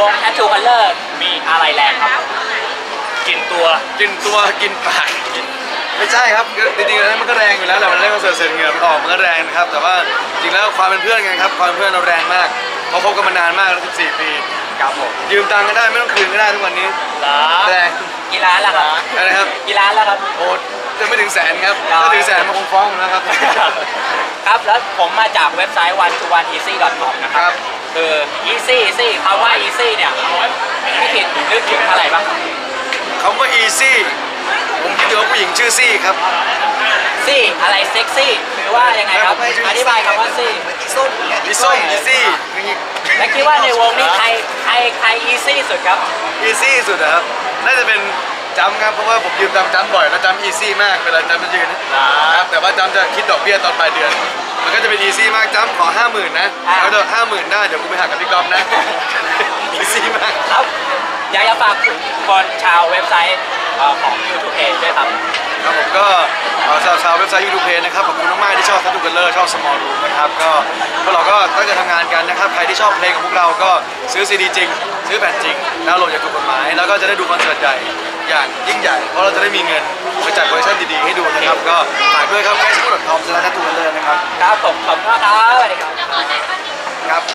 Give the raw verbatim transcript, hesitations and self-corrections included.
ง Tattoo Color มีอะไรแรงครับกินตัวกินตัวกินปากไม่ใช่ครับจริงๆแล้วมันก็แรงอยู่แล้วแหละมันเล่นคอนเสิร์ตเสร็จเหงื่อมันออกมันก็แรงนะครับแต่ว่าจริงแล้วความเป็นเพื่อนกันครับความเป็นเพื่อนเราแรงมากเพราะคบกันมานานมากแล้วสิบสี่ปีครับผมยืมตังค์ก็ได้ไม่ต้องคืนก็ได้ทุกวันนี้แรงกี่ล้านล่ะครับอะไรครับกี่ล้านแล้วครับโอ้จะไม่ถึงแสนครับถ้าถึงแสนมันคงฟ้องแล้วครับครับแล้วผมมาจากเว็บไซต์ วัน ทู วัน อี ซี่ ดอท คอม นะครับคือ easy easy คำว่า easy เนี่ยพี่คิดนึกถึงอะไรบ้างคำว่า easy ผมคิดถึงว่าผู้หญิงชื่อซี่ครับซี่อะไรเซ็กซี่หรือว่ายังไงครับอธิบายคำว่าซี่อีส้มอีส้มอีซี่และคิดว่าในวงนี้ใครใครใคร easy สุดครับ easy สุดครับน่าจะเป็นจำครับเพราะว่าผมยืมตังค์จำบ่อยแล้วจำ easy มากเวลาจำจะยืนนะครับแต่ว่าจำจะคิดดอกเบี้ยตอนปลายเดือนมันก็จะเป็น easy มากจำขอห้าหมื่นนะแล้วเดี๋ยวห้าหมื่นได้เดี๋ยวกูไปหักกับพี่ก๊อฟนะ easy มากครับอยากจะฝากคนชาวเว็บไซต์ของ ยูทูบ Page ด้วยครับครับผมก็ชาวชาวเว็บไซต์ ยูทูบ Page นะครับขอบคุณมากๆที่ชอบ Tattoo Color ชอบ Small Room นะครับก็พวกเราก็ตั้งใจทำงานกันนะครับใครที่ชอบเพลงของพวกเราก็ซื้อซีดีจริงซื้อแผ่นจริงดาวน์โหลดอย่างถูกกฎหมายแล้วก็จะได้ดูคอนเสิร์ตใหญ่อย่างยิ่งใหญ่เพราะเราจะได้มีเงินไปจัดคอลเลคชั่นดีๆให้ดูนะครับก็ฝากด้วยครับ เฟซบุ๊ก ดอท คอม สแลช แทตทู คัลเลอร์ นะครับครับผมขอบคุณมากครับสวัสดีครับครับ